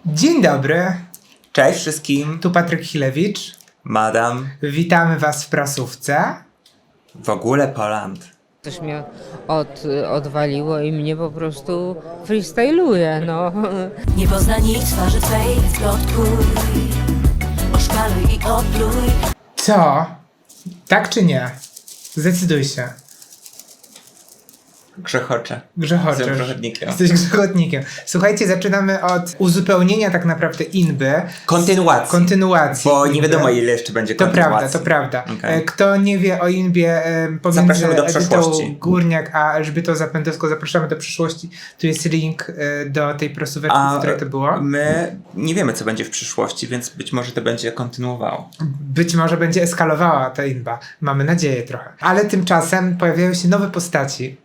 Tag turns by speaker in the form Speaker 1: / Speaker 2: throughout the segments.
Speaker 1: Dzień dobry,
Speaker 2: Cześć wszystkim,
Speaker 1: tu Patryk Chilewicz.
Speaker 2: madam,
Speaker 1: Witamy Was w prasówce.
Speaker 2: w ogóle Poland.
Speaker 3: Coś mnie odwaliło i mnie po prostu freestyluje, no.
Speaker 4: Nie pozna nikt twarzy twej, plotkuj, oszkaluj i opluj.
Speaker 1: Co? Tak czy nie? Zdecyduj się.
Speaker 2: Grzechocze.
Speaker 1: Grzechoczesz.
Speaker 2: Jestem grzechotnikiem.
Speaker 1: Jesteś grzechotnikiem. Słuchajcie, zaczynamy od uzupełnienia tak naprawdę inby. Kontynuacji.
Speaker 2: Bo nie
Speaker 1: inby.
Speaker 2: wiadomo ile jeszcze będzie
Speaker 1: To
Speaker 2: kontynuacji.
Speaker 1: prawda, to prawda.
Speaker 2: Okej.
Speaker 1: Kto nie wie o Inbie pomiędzy
Speaker 2: Zapraszamy do
Speaker 1: Edytą
Speaker 2: przeszłości.
Speaker 1: Górniak a Elżbietą Zapędowską, zapraszamy do przyszłości. Tu jest link do tej prasóweczki, w której to było.
Speaker 2: My nie wiemy co będzie w przyszłości, więc być może to będzie kontynuowało.
Speaker 1: Być może będzie eskalowała ta Inba. Mamy nadzieję trochę. Ale tymczasem pojawiają się nowe postaci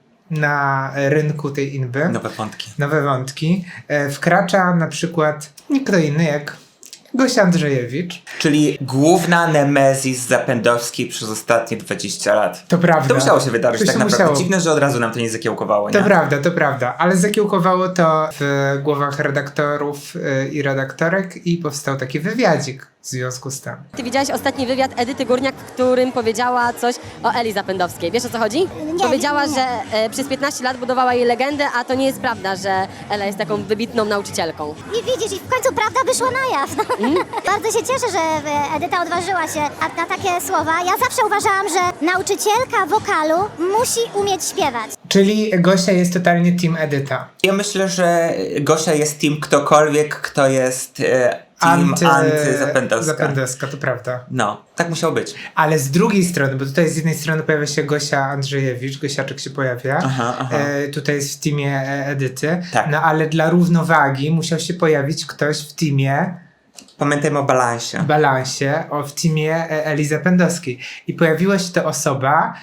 Speaker 1: na rynku tej Inby.
Speaker 2: Nowe wątki.
Speaker 1: Nowe wątki. Wkracza na przykład nie kto inny jak Gosia Andrzejewicz.
Speaker 2: Czyli główna nemezis Zapędowskiej przez ostatnie 20 lat.
Speaker 1: To prawda.
Speaker 2: To musiało się wydarzyć
Speaker 1: To
Speaker 2: tak
Speaker 1: się
Speaker 2: naprawdę.
Speaker 1: musiało.
Speaker 2: Dziwne, że od razu nam to nie zakiełkowało, nie?
Speaker 1: To prawda, ale zakiełkowało to w głowach redaktorów i redaktorek i powstał taki wywiadzik w związku z tym.
Speaker 5: Ty widziałaś ostatni wywiad Edyty Górniak, w którym powiedziała coś o Eli Zapędowskiej. Wiesz o co chodzi? Powiedziała, że przez 15 lat budowała jej legendę, a to nie jest prawda, że Ela jest taką wybitną nauczycielką.
Speaker 6: I widzisz, i w końcu prawda wyszła na jaw. Bardzo się cieszę, że Edyta odważyła się na takie słowa. Ja zawsze uważałam, że nauczycielka wokalu musi umieć śpiewać.
Speaker 1: Czyli Gosia jest totalnie team Edyta.
Speaker 2: Ja myślę, że Gosia jest team ktokolwiek, kto jest team anty-Zapędowska.
Speaker 1: Zapędowska, to prawda.
Speaker 2: No, tak musiało być.
Speaker 1: Ale z drugiej strony, bo tutaj z jednej strony pojawia się Gosia Andrzejewicz, Gosiaczek się pojawia,
Speaker 2: Aha.
Speaker 1: tutaj jest w teamie Edyty,
Speaker 2: Tak.
Speaker 1: no ale dla równowagi musiał się pojawić ktoś w teamie
Speaker 2: Pamiętajmy o balansie.
Speaker 1: Balansie, w teamie Eli Zapędowskiej. I pojawiła się to osoba,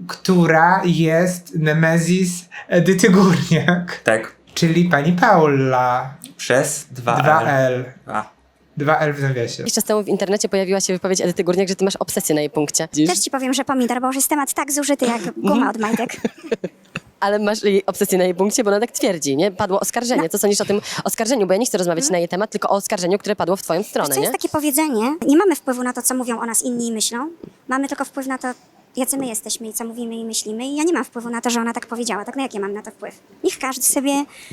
Speaker 1: która jest nemezis Edyty Górniak,
Speaker 2: Tak.
Speaker 1: czyli pani Paula.
Speaker 2: Przez 2L.
Speaker 1: 2L.
Speaker 2: A.
Speaker 1: 2L w nawiasie.
Speaker 5: Jakiś czas temu w internecie pojawiła się wypowiedź Edyty Górniak, że ty masz obsesję na jej punkcie.
Speaker 6: Też ci powiem, że pomidor, bo już jest temat tak zużyty jak guma od majtek.
Speaker 5: Ale masz jej obsesję na jej punkcie, bo ona tak twierdzi, nie? Padło oskarżenie. Co sądzisz o tym oskarżeniu? Bo ja nie chcę rozmawiać na jej temat, tylko o oskarżeniu, które padło w twoją stronę,
Speaker 6: Co
Speaker 5: nie?
Speaker 6: jest takie powiedzenie, nie mamy wpływu na to, co mówią o nas inni i myślą. Mamy tylko wpływ na to, jacy my jesteśmy i co mówimy i myślimy. I ja nie mam wpływu na to, że ona tak powiedziała. Tak, no jak ja mam na to wpływ? Niech każdy sobie,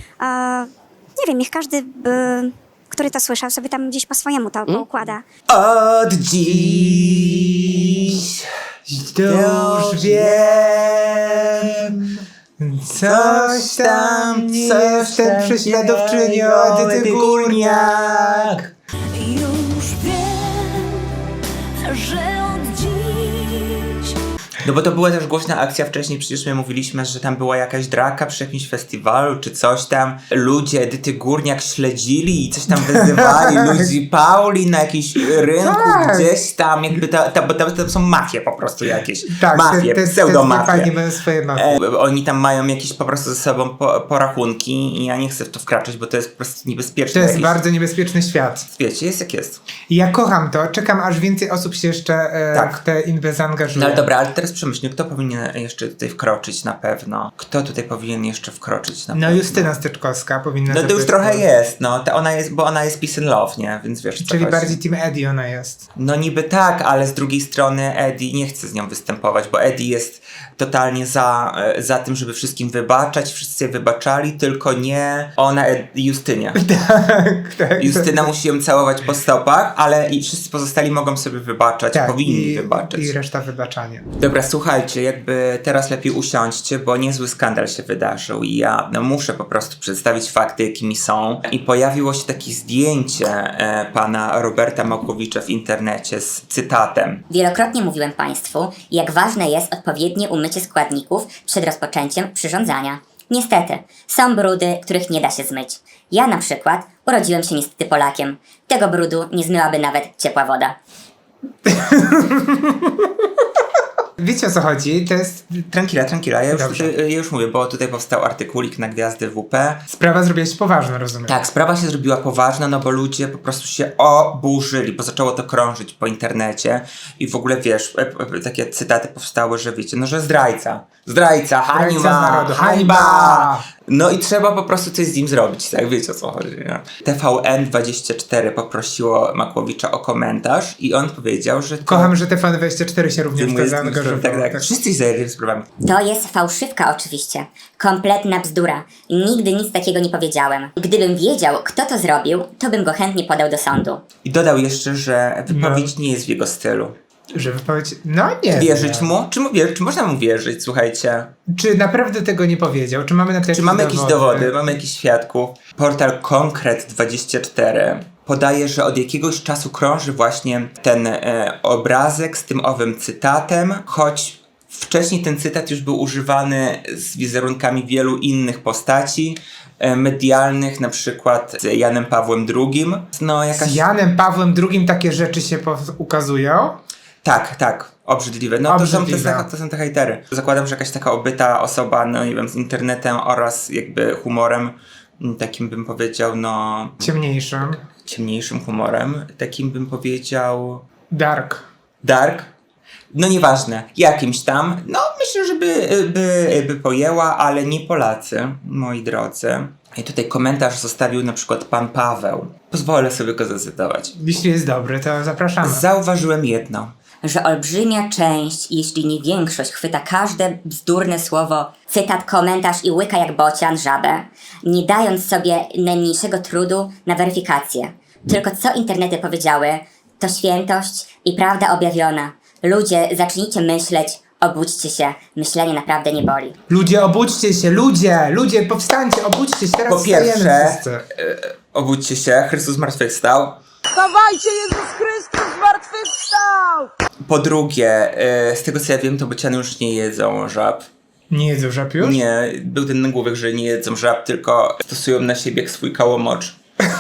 Speaker 6: nie wiem, niech każdy, który to słyszał, sobie tam gdzieś po swojemu to poukłada.
Speaker 2: Od dziś
Speaker 1: To już wiem. Coś tam nie jestem prześladowczynią Edyty Górniak.
Speaker 4: Już wiem, że od dziś.
Speaker 2: No bo to była też głośna akcja wcześniej, przecież my mówiliśmy, że tam była jakaś draka przy jakimś festiwalu czy coś tam. Ludzie Edyty Górniak śledzili i coś tam wyzywali ludzi Pauli na jakimś rynku
Speaker 1: Tak.
Speaker 2: gdzieś tam, jakby bo tam są mafie po prostu jakieś.
Speaker 1: Tak,
Speaker 2: mafie,
Speaker 1: te
Speaker 2: pseudomafie.
Speaker 1: fajnie mają swoje mafie.
Speaker 2: Oni tam mają jakieś po prostu ze sobą porachunki i ja nie chcę w to wkraczać, bo to jest po prostu
Speaker 1: To
Speaker 2: niebezpieczne.
Speaker 1: jest
Speaker 2: jakieś.
Speaker 1: bardzo niebezpieczny świat.
Speaker 2: Wiecie, jest jak jest.
Speaker 1: I ja kocham to, czekam aż więcej osób się jeszcze
Speaker 2: Tak.
Speaker 1: w te inby zaangażuje.
Speaker 2: No ale dobra, ale teraz przemyślmy, kto powinien jeszcze tutaj wkroczyć na pewno? Kto tutaj powinien jeszcze wkroczyć na
Speaker 1: No
Speaker 2: pewno?
Speaker 1: Justyna Steczkowska powinna
Speaker 2: No to już
Speaker 1: zabrać
Speaker 2: trochę
Speaker 1: głos.
Speaker 2: jest, no. Ona jest, bo ona jest peace and love, nie? Więc wiesz, o co
Speaker 1: Czyli
Speaker 2: chodzi.
Speaker 1: bardziej team Eddie ona jest.
Speaker 2: No niby tak, ale z drugiej strony Eddie nie chce z nią występować, bo Eddie jest totalnie za tym, żeby wszystkim wybaczać, wszyscy jej wybaczali, tylko nie ona Justynie.
Speaker 1: tak.
Speaker 2: Justyna musi ją całować po stopach, ale i wszyscy pozostali mogą sobie wybaczać, powinni wybaczać.
Speaker 1: I reszta wybaczanie.
Speaker 2: Dobra, słuchajcie, jakby teraz lepiej usiądźcie, bo niezły skandal się wydarzył i ja muszę po prostu przedstawić fakty, jakimi są. I pojawiło się takie zdjęcie pana Roberta Makowicza w internecie z cytatem.
Speaker 7: Wielokrotnie mówiłem Państwu, jak ważne jest odpowiednie umycie składników przed rozpoczęciem przyrządzania. Niestety, są brudy, których nie da się zmyć. Ja na przykład urodziłem się niestety Polakiem. Tego brudu nie zmyłaby nawet ciepła woda.
Speaker 1: Wiecie o co chodzi? To jest...
Speaker 2: Tranquila, ja
Speaker 1: Dobrze.
Speaker 2: już mówię, bo tutaj powstał artykulik na Gwiazdy WP.
Speaker 1: Sprawa zrobiła się poważna, rozumiem.
Speaker 2: Tak, sprawa się zrobiła poważna, no bo ludzie po prostu się oburzyli, bo zaczęło to krążyć po internecie i w ogóle wiesz, takie cytaty powstały, że wiecie, no że zdrajca, hańba,
Speaker 1: narodu, hańba!
Speaker 2: No i trzeba po prostu coś z nim zrobić, tak, wiecie o co chodzi, nie? TVN24 poprosiło Makłowicza o komentarz i on powiedział, że to...
Speaker 1: Kocham, że TVN24 się również w to
Speaker 2: zajmuje z tym,
Speaker 1: zaangażował.
Speaker 2: tak. Wszyscy się zajęli sprawami.
Speaker 7: To jest fałszywka oczywiście. Kompletna bzdura. Nigdy nic takiego nie powiedziałem. Gdybym wiedział, kto to zrobił, to bym go chętnie podał do sądu.
Speaker 2: I dodał jeszcze, że wypowiedź nie jest w jego stylu.
Speaker 1: Że wypowiedź... No nie
Speaker 2: Wierzyć
Speaker 1: wiem.
Speaker 2: mu? Czy można mu wierzyć, słuchajcie?
Speaker 1: Czy naprawdę tego nie powiedział? Czy mamy na to
Speaker 2: Czy mamy jakieś dowody? Mamy jakichś świadków? Portal Konkret24 podaje, że od jakiegoś czasu krąży właśnie ten obrazek z tym owym cytatem, choć wcześniej ten cytat już był używany z wizerunkami wielu innych postaci medialnych, na przykład z Janem Pawłem II. No,
Speaker 1: Z Janem Pawłem II takie rzeczy się ukazują?
Speaker 2: Tak, obrzydliwe. No
Speaker 1: Obrzydliwe.
Speaker 2: to są te hejtery. Zakładam, że jakaś taka obyta osoba, no nie wiem, z internetem oraz jakby humorem, takim bym powiedział, no... ciemniejszym humorem, takim bym powiedział...
Speaker 1: Dark.
Speaker 2: No nieważne, jakimś tam. No myślę, że by pojęła, ale nie Polacy, moi drodzy. I tutaj komentarz zostawił na przykład pan Paweł. Pozwolę sobie go zacytować.
Speaker 1: Jeśli jest dobry, to zapraszamy.
Speaker 2: Zauważyłem jedno.
Speaker 7: Że olbrzymia część, jeśli nie większość, chwyta każde bzdurne słowo, cytat, komentarz i łyka jak bocian żabę, nie dając sobie najmniejszego trudu na weryfikację. Tylko co internety powiedziały, to świętość i prawda objawiona. Ludzie, zacznijcie myśleć, obudźcie się, myślenie naprawdę nie boli.
Speaker 1: Ludzie, obudźcie się, ludzie, powstańcie, obudźcie się, teraz
Speaker 2: Po pierwsze,
Speaker 1: wstajemy wszyscy.
Speaker 2: obudźcie się, Chrystus zmartwychwstał.
Speaker 8: Wstawajcie, Jezus Chrystus zmartwychwstał!
Speaker 2: Po drugie, z tego co ja wiem, to bociany już nie jedzą żab.
Speaker 1: Nie jedzą żab już?
Speaker 2: Nie, był ten nagłówek, że nie jedzą żab, tylko stosują na siebie swój kałomocz.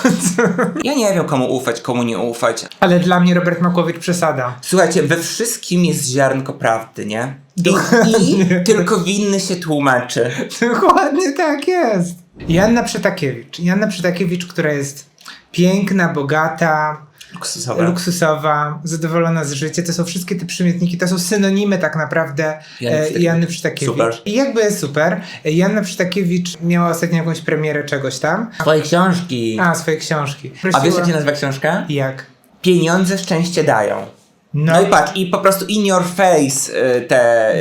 Speaker 2: Ja nie wiem, komu ufać, komu nie ufać.
Speaker 1: Ale dla mnie Robert Makłowicz przesada.
Speaker 2: Słuchajcie, we wszystkim jest ziarnko prawdy, nie? I
Speaker 1: Dokładnie.
Speaker 2: tylko winny się tłumaczy.
Speaker 1: Dokładnie tak jest. Janna Przytakiewicz, która jest piękna, bogata, luksusowa, zadowolona z życia. To są wszystkie te przymiotniki, to są synonimy tak naprawdę Janny Przytakiewicz.
Speaker 2: Super.
Speaker 1: I jakby super. Janna Przytakiewicz miała ostatnio jakąś premierę czegoś tam.
Speaker 2: Swoje książki.
Speaker 1: Swoje książki.
Speaker 2: A wiesz, jak się nazywa książka?
Speaker 1: Jak?
Speaker 2: Pieniądze szczęście dają. No i patrz, i po prostu in your face te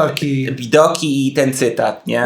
Speaker 2: bidoki i ten cytat, nie?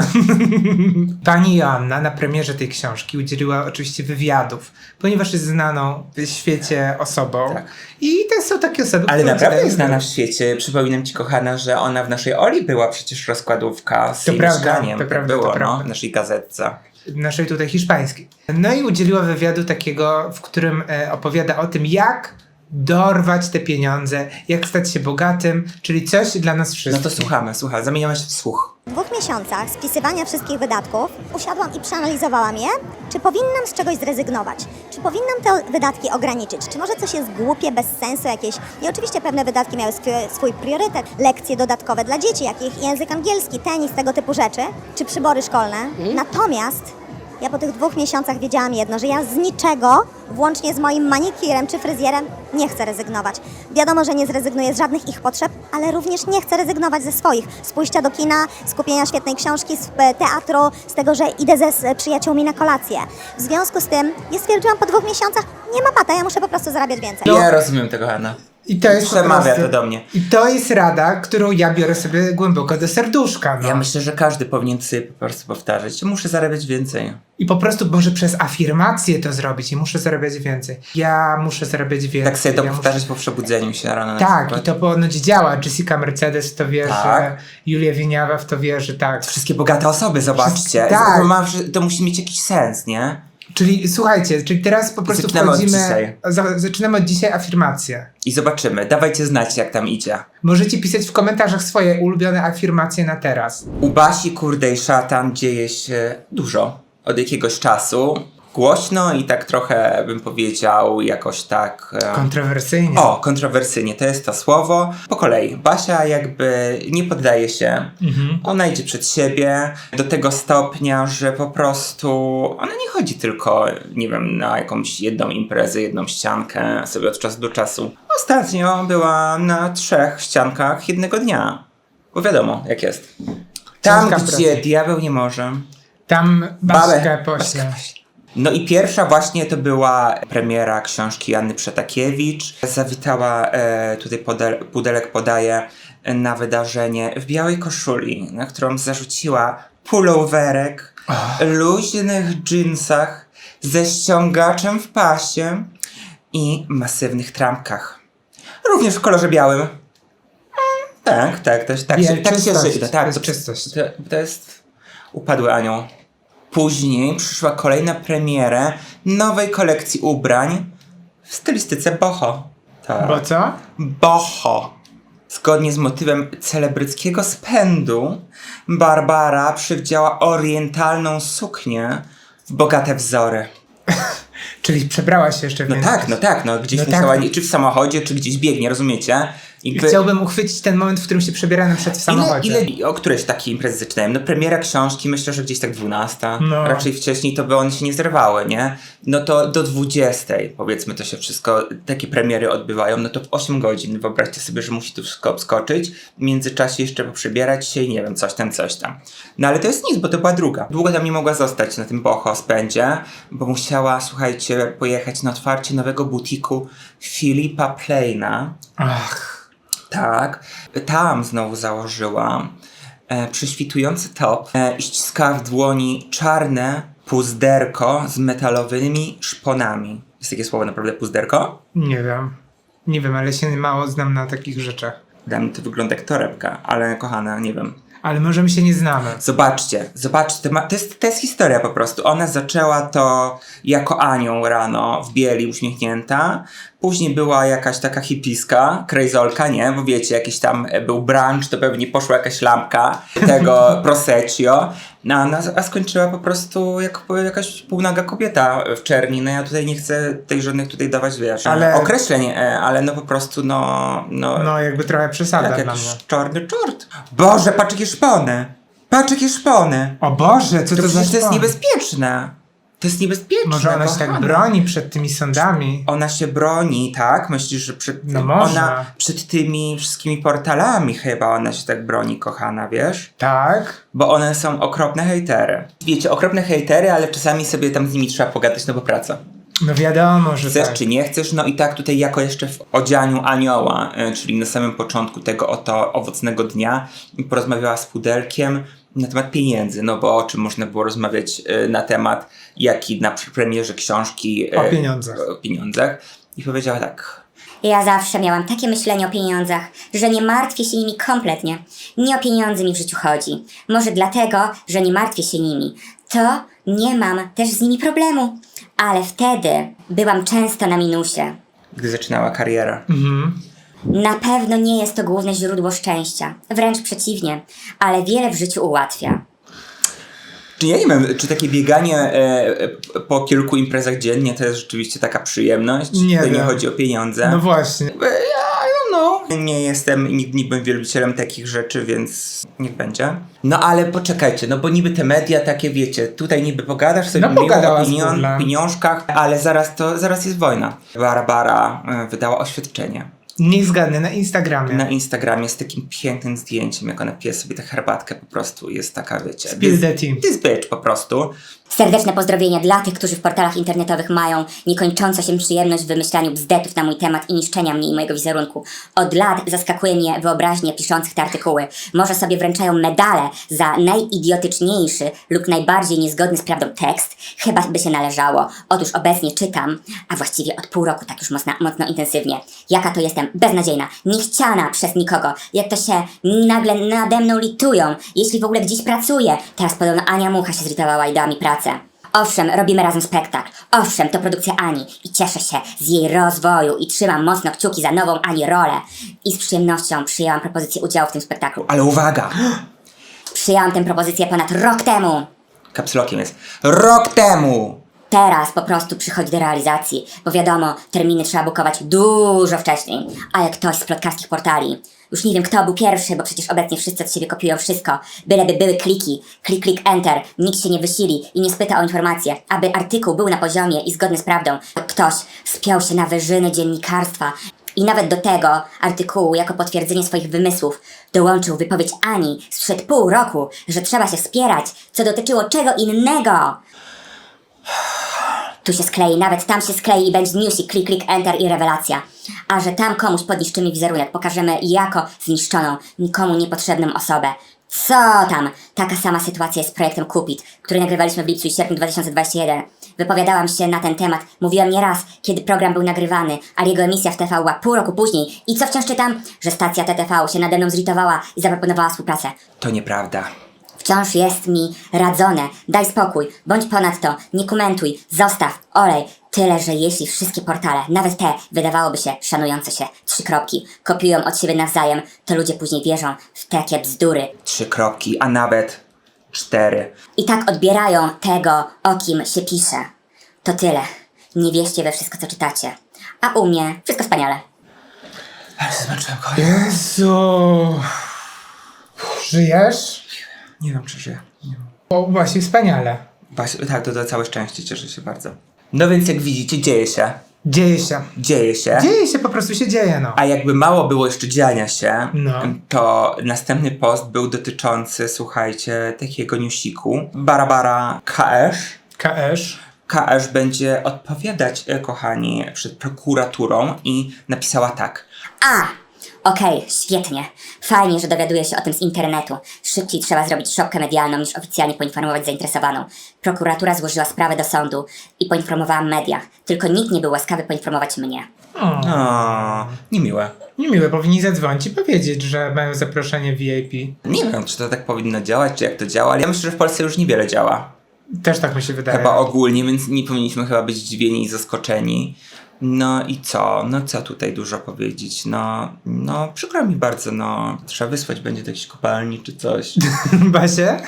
Speaker 1: Pani Joanna na premierze tej książki udzieliła oczywiście wywiadów, ponieważ jest znaną w świecie osobą.
Speaker 2: Tak.
Speaker 1: I to są takie osoby,
Speaker 2: Ale
Speaker 1: które
Speaker 2: naprawdę
Speaker 1: udzielają
Speaker 2: jest znana w świecie. Przypominam ci, kochana, że ona w naszej Oli była przecież rozkładówka z jej mieszkaniem.
Speaker 1: to prawda,
Speaker 2: było,
Speaker 1: to prawda.
Speaker 2: w naszej gazetce.
Speaker 1: naszej tutaj hiszpańskiej. No i udzieliła wywiadu takiego, w którym opowiada o tym, jak dorwać te pieniądze, jak stać się bogatym, czyli coś dla nas wszystkich.
Speaker 2: No to słuchamy, zamieniamy się w słuch.
Speaker 9: W 2 miesiącach spisywania wszystkich wydatków usiadłam i przeanalizowałam je, czy powinnam z czegoś zrezygnować, czy powinnam te wydatki ograniczyć, czy może coś jest głupie, bez sensu jakieś. I oczywiście pewne wydatki miały swój priorytet, lekcje dodatkowe dla dzieci, jakich język angielski, tenis, tego typu rzeczy, czy przybory szkolne. Natomiast ja po tych 2 miesiącach wiedziałam jedno, że ja z niczego, włącznie z moim manikirem czy fryzjerem, nie chcę rezygnować. Wiadomo, że nie zrezygnuję z żadnych ich potrzeb, ale również nie chcę rezygnować ze swoich. Z pójścia do kina, z kupienia świetnej książki, z teatru, z tego, że idę z przyjaciółmi na kolację. W związku z tym, ja stwierdziłam po 2 miesiącach, nie ma pata, ja muszę po prostu zarabiać więcej.
Speaker 2: Ja rozumiem tego, Hanna.
Speaker 1: I to jest
Speaker 2: Przemawia to do mnie.
Speaker 1: I to jest rada, którą ja biorę sobie głęboko do serduszka. No.
Speaker 2: Ja myślę, że każdy powinien sobie po prostu powtarzać. Muszę zarabiać więcej.
Speaker 1: I po prostu może przez afirmację to zrobić i muszę zarabiać więcej. Ja muszę zarabiać więcej.
Speaker 2: Tak sobie to
Speaker 1: ja
Speaker 2: powtarzać po przebudzeniu się rano na
Speaker 1: Tak,
Speaker 2: przykład.
Speaker 1: i to ponoć działa. Jessica Mercedes w to wierzy,
Speaker 2: Tak.
Speaker 1: Julia Wieniawa w to wierzy, tak.
Speaker 2: Wszystkie bogate osoby, zobaczcie.
Speaker 1: Tak.
Speaker 2: To musi mieć jakiś sens, nie?
Speaker 1: Czyli słuchajcie, teraz po prostu
Speaker 2: Zaczynamy od
Speaker 1: wchodzimy...
Speaker 2: dzisiaj.
Speaker 1: Zaczynamy od dzisiaj afirmację.
Speaker 2: I zobaczymy. Dawajcie znać, jak tam idzie.
Speaker 1: Możecie pisać w komentarzach swoje ulubione afirmacje na teraz.
Speaker 2: U Basi, kurde i szatan dzieje się dużo. Od jakiegoś czasu. głośno i tak trochę, bym powiedział, jakoś tak...
Speaker 1: Kontrowersyjnie.
Speaker 2: O, kontrowersyjnie, to jest to słowo. Po kolei, Basia jakby nie poddaje się. Ona idzie przed siebie do tego stopnia, że po prostu ona nie chodzi tylko, nie wiem, na jakąś jedną imprezę, jedną ściankę sobie od czasu do czasu. Ostatnio była na 3 ściankach jednego dnia. Bo wiadomo, jak jest. Tam,
Speaker 1: Ciężka
Speaker 2: gdzie
Speaker 1: praca.
Speaker 2: diabeł nie może.
Speaker 1: Tam
Speaker 2: Babę.
Speaker 1: Baśkę pośle.
Speaker 2: No i pierwsza właśnie to była premiera książki Janny Przetakiewicz. Zawitała, tutaj Pudelek podaje, na wydarzenie w białej koszuli, na którą zarzuciła pulowerek, luźnych dżinsach, ze ściągaczem w pasie i masywnych trampkach. Również w kolorze białym. Tak się żyje. Tak,
Speaker 1: to czystość.
Speaker 2: To jest upadły anioł. Później przyszła kolejna premiera nowej kolekcji ubrań w stylistyce boho. Tak.
Speaker 1: Bo co?
Speaker 2: Boho. Zgodnie z motywem celebryckiego spędu, Barbara przywdziała orientalną suknię w bogate wzory.
Speaker 1: Czyli przebrała się jeszcze więcej.
Speaker 2: Gdzieś
Speaker 1: No
Speaker 2: musiała,
Speaker 1: tak.
Speaker 2: czy w samochodzie, czy gdzieś biegnie, rozumiecie?
Speaker 1: Chciałbym uchwycić ten moment, w którym się przebiera na przykład w samochodzie.
Speaker 2: O którejś takiej imprezy zaczynałem? No premiera książki, myślę, że gdzieś tak 12.
Speaker 1: No.
Speaker 2: Raczej wcześniej to by one się nie zerwały, nie? No to do 20, powiedzmy, to się wszystko, takie premiery odbywają, no to w 8 godzin. Wyobraźcie sobie, że musi tu wszystko obskoczyć, w międzyczasie jeszcze poprzebierać się i nie wiem, coś tam. No ale to jest nic, bo to była druga. Długo tam nie mogła zostać na tym boho spędzie, bo musiała, słuchajcie, pojechać na otwarcie nowego butiku Philippa Pleina.
Speaker 1: Ach.
Speaker 2: Tak, tam znowu założyła prześwitujący top i ściskała w dłoni czarne puzderko z metalowymi szponami. Jest takie słowo naprawdę puzderko?
Speaker 1: Nie wiem, ale się mało znam na takich rzeczach.
Speaker 2: Dla mnie to wygląda jak torebka, ale kochana, nie wiem.
Speaker 1: Ale może my się nie znamy.
Speaker 2: Zobaczcie, to jest historia po prostu. Ona zaczęła to jako anioł rano w bieli uśmiechnięta. Później była jakaś taka hipiska, krejzolka, nie? Bo wiecie, jakiś tam był brunch, to pewnie poszła jakaś lampka tego proseccio. A skończyła po prostu jako jakaś półnaga kobieta w czerni. No ja tutaj nie chcę tej żadnych tutaj dawać, wiesz, określeń, ale no po prostu
Speaker 1: No jakby trochę przesada
Speaker 2: jak
Speaker 1: dla
Speaker 2: jakiś
Speaker 1: mnie.
Speaker 2: czarny czort. Boże, patrz jakie szpony! Patrz jakie szpony!
Speaker 1: O Boże, co to za
Speaker 2: przecież to jest
Speaker 1: szpon?
Speaker 2: niebezpieczne. To jest niebezpieczne.
Speaker 1: Może ona się tak
Speaker 2: kochana.
Speaker 1: broni przed tymi sądami?
Speaker 2: Ona się broni, tak? Myślisz, że przed
Speaker 1: No może.
Speaker 2: ona przed tymi wszystkimi portalami chyba ona się tak broni, kochana, wiesz?
Speaker 1: Tak.
Speaker 2: Bo one są okropne hejtery. Wiecie, okropne hejtery, ale czasami sobie tam z nimi trzeba pogadać, no bo praca.
Speaker 1: No wiadomo, że
Speaker 2: Chcesz
Speaker 1: tak.
Speaker 2: czy nie chcesz, no i tak tutaj jako jeszcze w odzianiu anioła, czyli na samym początku tego oto owocnego dnia porozmawiała z Pudelkiem na temat pieniędzy, no bo o czym można było rozmawiać na temat, jaki na premierze książki
Speaker 1: O pieniądzach.
Speaker 2: O pieniądzach. I powiedziała tak:
Speaker 7: Ja zawsze miałam takie myślenie o pieniądzach, że nie martwię się nimi kompletnie. Nie o pieniądze mi w życiu chodzi. Może dlatego, że nie martwię się nimi. To nie mam też z nimi problemu. Ale wtedy byłam często na minusie.
Speaker 2: gdy zaczynała karierę.
Speaker 7: Na pewno nie jest to główne źródło szczęścia. Wręcz przeciwnie. Ale wiele w życiu ułatwia.
Speaker 2: Czy ja nie wiem, czy takie bieganie po kilku imprezach dziennie to jest rzeczywiście taka przyjemność?
Speaker 1: Nie
Speaker 2: to nie
Speaker 1: wiem.
Speaker 2: chodzi o pieniądze.
Speaker 1: No właśnie.
Speaker 2: Nie jestem i nigdy nie byłem wielbicielem takich rzeczy, więc niech będzie. No ale poczekajcie, no bo niby te media takie, wiecie, tutaj niby pogadasz sobie
Speaker 1: No,
Speaker 2: miło
Speaker 1: pogadała
Speaker 2: o
Speaker 1: z Googlem.
Speaker 2: pieniążkach, ale zaraz jest wojna. Barbara wydała oświadczenie
Speaker 1: Niech zgadnę, na Instagramie.
Speaker 2: na Instagramie z takim pięknym zdjęciem, jak ona pije sobie tę herbatkę, po prostu jest taka, wiecie,
Speaker 1: Spill the tea.
Speaker 2: this bitch po prostu.
Speaker 7: Serdeczne pozdrowienia dla tych, którzy w portalach internetowych mają niekończącą się przyjemność w wymyślaniu bzdetów na mój temat i niszczenia mnie i mojego wizerunku. Od lat zaskakuje mnie wyobraźnię piszących te artykuły. Może sobie wręczają medale za najidiotyczniejszy lub najbardziej niezgodny z prawdą tekst. Chyba by się należało. Otóż obecnie czytam, a właściwie od pół roku tak już mocno intensywnie. Jaka to jestem beznadziejna, niechciana przez nikogo. Jak to się nagle nade mną litują, jeśli w ogóle gdzieś pracuję. Teraz podobno Ania Mucha się zrytowała i dała mi pracę. Owszem, robimy razem spektakl. Owszem, to produkcja Ani i cieszę się z jej rozwoju i trzymam mocno kciuki za nową Ani rolę. I z przyjemnością przyjęłam propozycję udziału w tym spektaklu.
Speaker 2: Ale uwaga!
Speaker 7: Przyjęłam tę propozycję ponad rok temu.
Speaker 2: Kapslokiem jest. Rok temu!
Speaker 7: teraz po prostu przychodzi do realizacji, bo wiadomo, terminy trzeba bukować dużo wcześniej. Ale ktoś z plotkarskich portali, już nie wiem kto był pierwszy, bo przecież obecnie wszyscy od siebie kopiują wszystko, byleby były kliki, klik, enter, nikt się nie wysili i nie spyta o informacje, aby artykuł był na poziomie i zgodny z prawdą. Ktoś spiął się na wyżyny dziennikarstwa i nawet do tego artykułu jako potwierdzenie swoich wymysłów dołączył wypowiedź Ani sprzed pół roku, że trzeba się wspierać, co dotyczyło czego innego. Tu się sklei, nawet tam się sklei i będzie newsik, klik, enter i rewelacja. A że tam komuś podniszczymy wizerunek, pokażemy jako zniszczoną, nikomu niepotrzebną osobę. Co tam? Taka sama sytuacja jest z projektem Cupid, który nagrywaliśmy w lipcu i sierpniu 2021. Wypowiadałam się na ten temat, mówiłam nieraz, kiedy program był nagrywany, ale jego emisja w TV była pół roku później. I co wciąż czytam? Że stacja TTV się nade mną zlitowała i zaproponowała współpracę.
Speaker 2: To nieprawda.
Speaker 7: Wciąż jest mi radzone. Daj spokój, bądź ponadto, nie komentuj, zostaw, olej. Tyle, że jeśli wszystkie portale, nawet te, wydawałoby się szanujące się, 3 kropki, kopiują od siebie nawzajem, to ludzie później wierzą w takie bzdury.
Speaker 2: 3 kropki, a nawet 4.
Speaker 7: I tak odbierają tego, o kim się pisze. To tyle. Nie wierzcie we wszystko, co czytacie. A u mnie wszystko wspaniale.
Speaker 2: Ale się zmęczyłem,
Speaker 1: Jezu. Żyjesz?
Speaker 2: Nie wiem, czy żyję. Nie wiem.
Speaker 1: O, właśnie wspaniale.
Speaker 2: Właśnie, tak, to całe szczęście, cieszę się bardzo. No więc jak widzicie, dzieje się.
Speaker 1: Dzieje się.
Speaker 2: Dzieje się.
Speaker 1: Dzieje się, po prostu się dzieje, no.
Speaker 2: A jakby mało było jeszcze dziania się,
Speaker 1: No.
Speaker 2: to następny post był dotyczący, słuchajcie, takiego newsiku. Barbara Kaesz. Kaesz będzie odpowiadać, kochani, przed prokuraturą i napisała tak.
Speaker 7: Okej, świetnie. Fajnie, że dowiaduję się o tym z internetu. Szybciej trzeba zrobić szopkę medialną niż oficjalnie poinformować zainteresowaną. Prokuratura złożyła sprawę do sądu i poinformowała media. Tylko nikt nie był łaskawy poinformować mnie.
Speaker 2: O, niemiłe.
Speaker 1: Niemiłe, powinni zadzwonić i powiedzieć, że mają zaproszenie VIP.
Speaker 2: Nie wiem, czy to tak powinno działać, czy jak to działa, ale ja myślę, że w Polsce już niewiele działa.
Speaker 1: Też tak mi się wydaje.
Speaker 2: Chyba ogólnie, więc nie powinniśmy chyba być zdziwieni i zaskoczeni. No i co? No co tutaj dużo powiedzieć? No przykro mi bardzo, no trzeba wysłać będzie do jakiejś kopalni czy coś.
Speaker 1: Basie?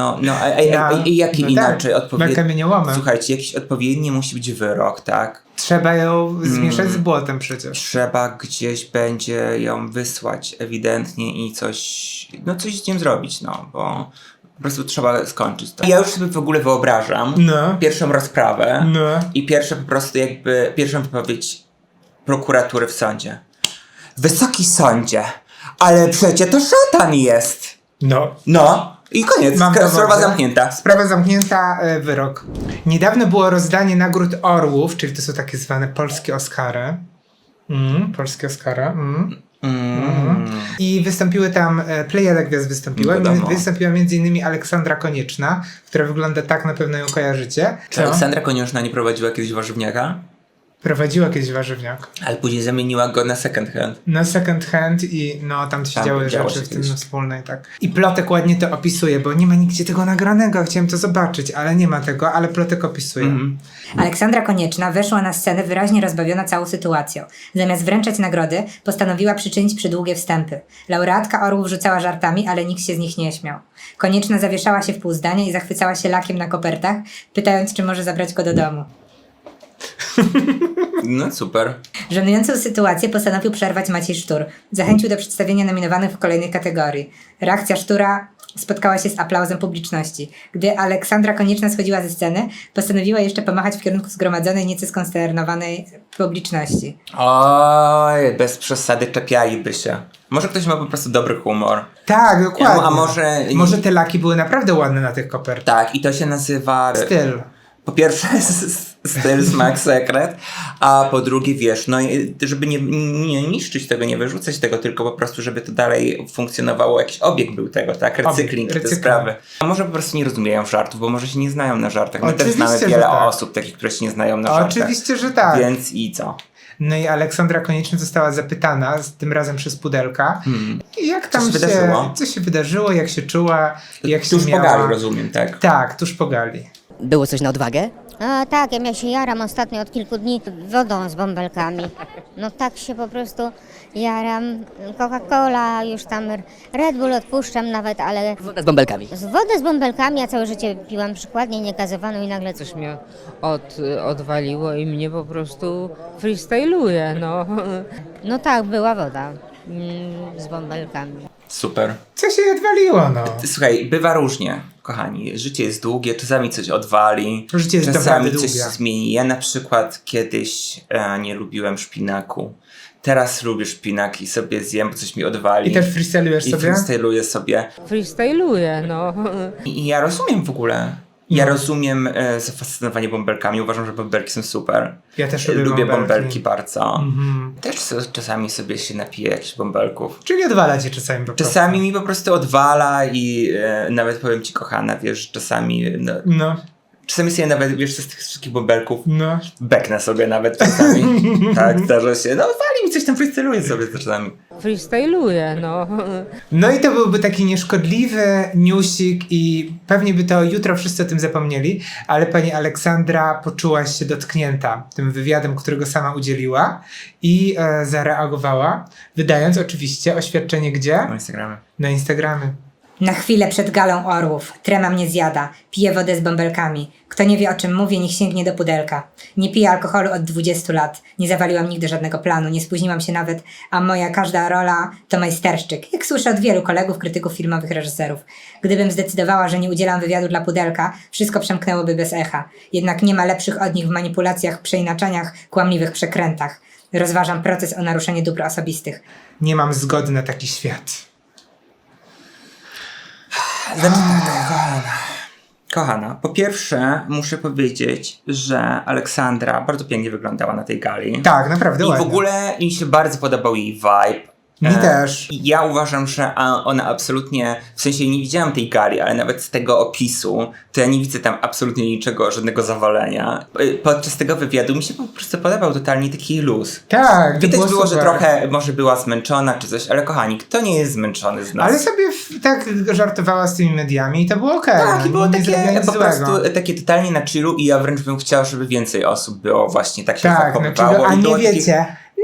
Speaker 2: Jaki inaczej
Speaker 1: tak,
Speaker 2: odpowiedni?
Speaker 1: kamieniołomy.
Speaker 2: Słuchajcie, jakiś odpowiedni musi być wyrok, tak?
Speaker 1: Trzeba ją zmieszać z błotem przecież.
Speaker 2: Trzeba gdzieś będzie ją wysłać ewidentnie i coś z tym zrobić, no, bo po prostu trzeba skończyć to. Ja już sobie w ogóle wyobrażam pierwszą rozprawę i pierwszą wypowiedź prokuratury w sądzie. Wysoki sądzie, ale przecie to szatan jest. No. I koniec. Sprawa zamknięta.
Speaker 1: Sprawa zamknięta, wyrok. Niedawno było rozdanie nagród Orłów, czyli to są takie zwane polskie Oscary. Polskie Oscary. I wystąpiły tam, plejada gwiazd wystąpiła. Wystąpiła m.in. Aleksandra Konieczna, która wygląda tak, na pewno ją kojarzycie.
Speaker 2: Czy Aleksandra Konieczna nie prowadziła kiedyś warzywniaka?
Speaker 1: Prowadziła kiedyś warzywniak.
Speaker 2: Ale później zamieniła go na second hand.
Speaker 1: Na second hand i tam się działy rzeczy w tym wspólnej, tak. I Plotek ładnie to opisuje, bo nie ma nigdzie tego nagranego. Chciałem to zobaczyć, ale nie ma tego, ale Plotek opisuje.
Speaker 10: Aleksandra Konieczna weszła na scenę wyraźnie rozbawiona całą sytuacją. Zamiast wręczać nagrody, postanowiła przyczynić przydługie wstępy. Laureatka Orłów rzucała żartami, ale nikt się z nich nie śmiał. Konieczna zawieszała się w pół zdania i zachwycała się lakiem na kopertach, pytając, czy może zabrać go do domu.
Speaker 2: No super.
Speaker 10: Żenującą sytuację postanowił przerwać Maciej Sztur. Zachęcił do przedstawienia nominowanych w kolejnej kategorii. Reakcja Sztura spotkała się z aplauzem publiczności. Gdy Aleksandra Konieczna schodziła ze sceny, postanowiła jeszcze pomachać w kierunku zgromadzonej, nieco skonsternowanej publiczności.
Speaker 2: Oj, bez przesady czepialiby się. Może ktoś ma po prostu dobry humor.
Speaker 1: Tak, dokładnie.
Speaker 2: A
Speaker 1: może te laki były naprawdę ładne na tych kopertach.
Speaker 2: Tak, i to się nazywa...
Speaker 1: Styl.
Speaker 2: Po pierwsze styl, smak, sekret, a po drugie wiesz, no żeby nie niszczyć tego, nie wyrzucać tego, tylko po prostu, żeby to dalej funkcjonowało, jakiś obieg był tego, tak? Recykling, te sprawy. A może po prostu nie rozumieją żartów, bo może się nie znają na żartach. My też znamy wiele osób takich, które się nie znają na żartach.
Speaker 1: Oczywiście, że tak.
Speaker 2: Więc i co?
Speaker 1: No i Aleksandra Konieczna została zapytana, tym razem przez Pudelka, jak tam co się wydarzyło, jak się czuła, jak się
Speaker 2: tuż
Speaker 1: miała.
Speaker 2: Po gali, rozumiem, tak?
Speaker 1: Tak, tuż po gali.
Speaker 5: Było coś na odwagę?
Speaker 11: Tak, ja się jaram ostatnio od kilku dni wodą z bąbelkami. No tak się po prostu jaram. Coca-Cola, już tam Red Bull odpuszczam nawet, ale...
Speaker 5: Wodę z bąbelkami.
Speaker 11: Wodę z bąbelkami, ja całe życie piłam przykładnie niegazowaną i nagle
Speaker 3: Coś mnie odwaliło i mnie po prostu freestyluje, no. No tak, była woda z bąbelkami.
Speaker 2: Super.
Speaker 1: Co się odwaliło, no?
Speaker 2: Słuchaj, bywa różnie, kochani. Życie jest długie, czasami coś odwali,
Speaker 1: Życie jest
Speaker 2: czasami
Speaker 1: naprawdę
Speaker 2: coś
Speaker 1: długie.
Speaker 2: się zmieni. Ja na przykład kiedyś nie lubiłem szpinaku. Teraz lubię szpinak i sobie zjem, bo coś mi odwali.
Speaker 1: I też freestylujesz
Speaker 2: I
Speaker 1: sobie?
Speaker 2: freestyluję sobie.
Speaker 3: Freestyluje, no.
Speaker 2: I ja rozumiem w ogóle. Ja rozumiem zafascynowanie bąbelkami. Uważam, że bąbelki są super.
Speaker 1: Ja też lubię
Speaker 2: Lubię
Speaker 1: bąbelki.
Speaker 2: bąbelki bardzo.
Speaker 1: Mhm.
Speaker 2: Też czasami sobie się napiję jakichś bąbelków.
Speaker 1: Czyli odwala cię czasami po prostu.
Speaker 2: Czasami mi po prostu odwala i nawet powiem ci, kochana, wiesz, czasami...
Speaker 1: No,
Speaker 2: Czasami sobie nawet, wiesz, z tych wszystkich bąbelków
Speaker 1: no.
Speaker 2: beknę sobie nawet czasami. Tak, zdarza się. No wali mi coś tam, freestyluję sobie czasami.
Speaker 3: Freestyluje, no.
Speaker 1: No i to byłby taki nieszkodliwy newsik i pewnie by to jutro wszyscy o tym zapomnieli, ale pani Aleksandra poczuła się dotknięta tym wywiadem, którego sama udzieliła i zareagowała, wydając oczywiście oświadczenie gdzie?
Speaker 2: Na Instagramie.
Speaker 1: Na Instagramie.
Speaker 10: Na chwilę przed galą orłów. Trema mnie zjada. Piję wodę z bąbelkami. Kto nie wie o czym mówię, niech sięgnie do pudelka. Nie piję alkoholu od 20 lat. Nie zawaliłam nigdy żadnego planu. Nie spóźniłam się nawet, a moja każda rola to majsterszczyk. Jak słyszę od wielu kolegów, krytyków filmowych, reżyserów. Gdybym zdecydowała, że nie udzielam wywiadu dla pudelka, wszystko przemknęłoby bez echa. Jednak nie ma lepszych od nich w manipulacjach, przeinaczaniach, kłamliwych przekrętach. Rozważam proces o naruszenie dóbr osobistych.
Speaker 1: Nie mam zgody na taki świat.
Speaker 2: Kochana, po pierwsze muszę powiedzieć, że Aleksandra bardzo pięknie wyglądała na tej gali.
Speaker 1: Tak, naprawdę
Speaker 2: I
Speaker 1: ładnie.
Speaker 2: w ogóle mi się bardzo podobał jej vibe.
Speaker 1: Mi też.
Speaker 2: I ja uważam, że ona absolutnie, w sensie nie widziałam tej gali, ale nawet z tego opisu, to ja nie widzę tam absolutnie niczego, żadnego zawalenia. Podczas tego wywiadu mi się po prostu podobał totalnie taki luz.
Speaker 1: Tak, to
Speaker 2: Widać było, że
Speaker 1: super.
Speaker 2: trochę może była zmęczona czy coś, ale kochani, kto nie jest zmęczony z nas?
Speaker 1: Ale sobie tak żartowała z tymi mediami i to było okej.
Speaker 2: Tak, i było
Speaker 1: nie
Speaker 2: takie
Speaker 1: zrobiła nic
Speaker 2: po
Speaker 1: złego.
Speaker 2: prostu takie totalnie na chillu i ja wręcz bym chciał, żeby więcej osób było właśnie tak się
Speaker 1: Tak,
Speaker 2: zachowywało.
Speaker 1: a
Speaker 2: i
Speaker 1: nie
Speaker 2: było takie-
Speaker 1: wiecie.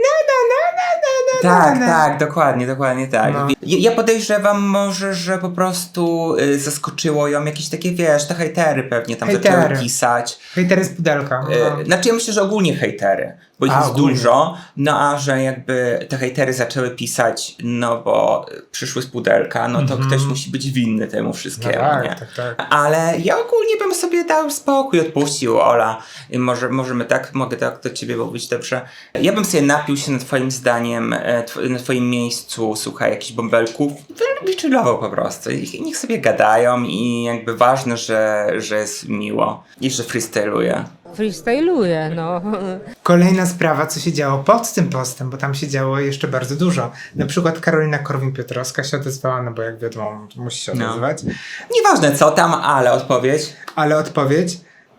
Speaker 2: Tak, tak, dokładnie tak.
Speaker 1: No.
Speaker 2: Ja podejrzewam może, że po prostu zaskoczyło ją jakieś takie, wiesz, te hejtery pewnie tam
Speaker 1: Hejtery.
Speaker 2: zaczęły pisać.
Speaker 1: Hejtery z pudelka. No.
Speaker 2: Znaczy ja myślę, że ogólnie hejtery, bo ich jest
Speaker 1: ogólnie.
Speaker 2: dużo, no a że jakby te hejtery zaczęły pisać, no bo przyszły z pudelka, no to ktoś musi być winny temu wszystkiemu,
Speaker 1: No
Speaker 2: nie?
Speaker 1: tak.
Speaker 2: Ale ja ogólnie bym sobie dał spokój, odpuścił, Ola. I możemy tak, mogę tak do ciebie mówić, dobrze? Ja bym sobie napił się na twoim zdaniem, na twoim miejscu, słuchaj, jakichś bąbelków i chillował po prostu. I niech sobie gadają i jakby ważne, że jest miło i że freestyluje.
Speaker 3: Freestyluje, no.
Speaker 1: Kolejna sprawa, co się działo pod tym postem, bo tam się działo jeszcze bardzo dużo. Na przykład Karolina Korwin-Piotrowska się odezwała, no bo jak wiadomo, musi się odezwać.
Speaker 2: Nieważne co tam, ale odpowiedź.
Speaker 1: Ale odpowiedź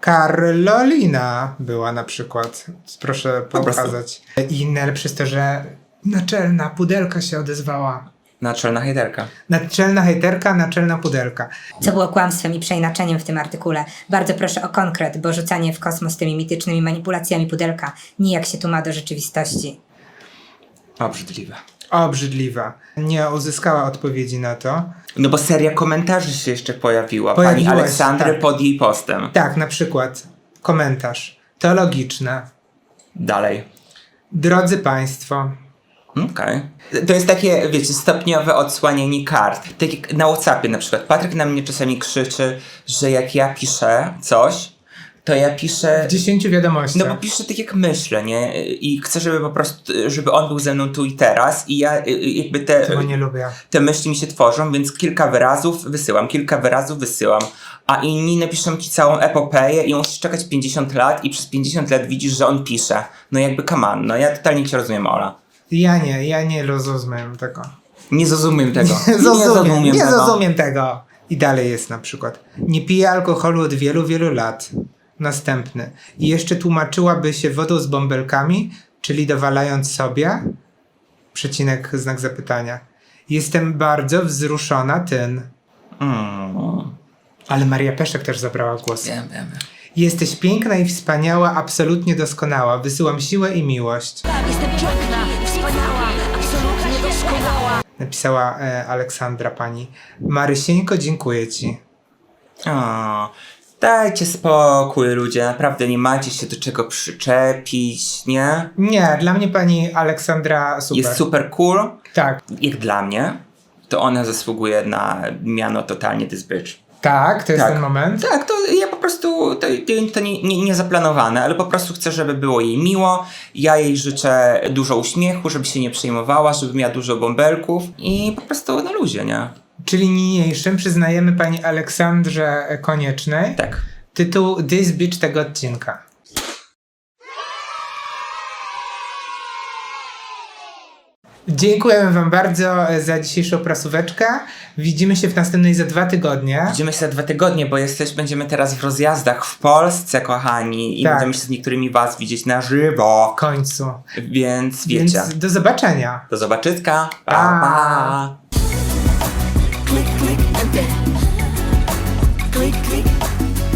Speaker 1: Karolina była na przykład. Proszę pokazać. I najlepsze jest to, że naczelna pudelka się odezwała.
Speaker 2: Naczelna hejterka.
Speaker 1: Naczelna hejterka, naczelna pudelka.
Speaker 10: Co było kłamstwem i przeinaczeniem w tym artykule. Bardzo proszę o konkret, bo rzucanie w kosmos tymi mitycznymi manipulacjami pudelka nijak się tu ma do rzeczywistości.
Speaker 2: Obrzydliwe.
Speaker 1: Obrzydliwa. Nie uzyskała odpowiedzi na to.
Speaker 2: No bo seria komentarzy się jeszcze pojawiła.
Speaker 1: Pojawiła
Speaker 2: Pani
Speaker 1: się,
Speaker 2: Aleksandry
Speaker 1: tak.
Speaker 2: pod jej postem.
Speaker 1: Tak, na przykład komentarz. To logiczne.
Speaker 2: Dalej.
Speaker 1: Drodzy Państwo,
Speaker 2: Okej. To jest takie, wiecie, stopniowe odsłanianie kart. Tak jak na WhatsAppie na przykład. Patryk na mnie czasami krzyczy, że jak ja piszę coś, to ja piszę...
Speaker 1: w 10 wiadomościach.
Speaker 2: No bo piszę tak jak myślę, nie? I chcę, żeby po prostu, żeby on był ze mną tu i teraz i ja jakby
Speaker 1: Tego nie lubię.
Speaker 2: te myśli mi się tworzą, więc kilka wyrazów wysyłam, a inni napiszą ci całą epopeję i musisz czekać 50 lat i przez 50 lat widzisz, że on pisze. No jakby come on, no ja totalnie cię rozumiem, Ola.
Speaker 1: Ja nie rozumiem tego.
Speaker 2: Nie zrozumiem tego.
Speaker 1: Nie zrozumiem tego. I dalej jest na przykład. Nie piję alkoholu od wielu, wielu lat. Następny. I jeszcze tłumaczyłaby się wodą z bąbelkami, czyli dowalając sobie. Przecinek, znak zapytania. Jestem bardzo wzruszona tym. Ale Maria Peszek też zabrała głos.
Speaker 2: Wiem.
Speaker 1: Jesteś piękna i wspaniała, absolutnie doskonała. Wysyłam siłę i miłość.
Speaker 4: Jestem piękna, wspaniała, absolutnie doskonała.
Speaker 1: Napisała Aleksandra pani. Marysieńko, dziękuję ci.
Speaker 2: O, dajcie spokój, ludzie, naprawdę nie macie się do czego przyczepić, nie?
Speaker 1: Nie, dla mnie pani Aleksandra super.
Speaker 2: Jest super cool.
Speaker 1: Tak.
Speaker 2: Jak dla mnie, to ona zasługuje na miano totalnie this bitch.
Speaker 1: Tak, to jest
Speaker 2: Tak.
Speaker 1: ten moment.
Speaker 2: Tak, to ja po prostu, to nie zaplanowane, ale po prostu chcę, żeby było jej miło. Ja jej życzę dużo uśmiechu, żeby się nie przejmowała, żeby miała dużo bąbelków i po prostu na luzie, nie?
Speaker 1: Czyli niniejszym przyznajemy pani Aleksandrze Koniecznej
Speaker 2: Tak.
Speaker 1: tytuł This Bitch tego odcinka. Dziękujemy wam bardzo za dzisiejszą prasóweczkę. Widzimy się w następnej za 2 tygodnie.
Speaker 2: Widzimy się za 2 tygodnie, bo będziemy teraz w rozjazdach w Polsce, kochani, i
Speaker 1: Tak.
Speaker 2: będziemy się z niektórymi was widzieć na żywo.
Speaker 1: W końcu.
Speaker 2: Więc wiecie.
Speaker 1: Więc do zobaczenia.
Speaker 2: Do zobaczyska. Pa,
Speaker 1: Pa.
Speaker 2: pa.
Speaker 4: Click, click, and then. Click, click.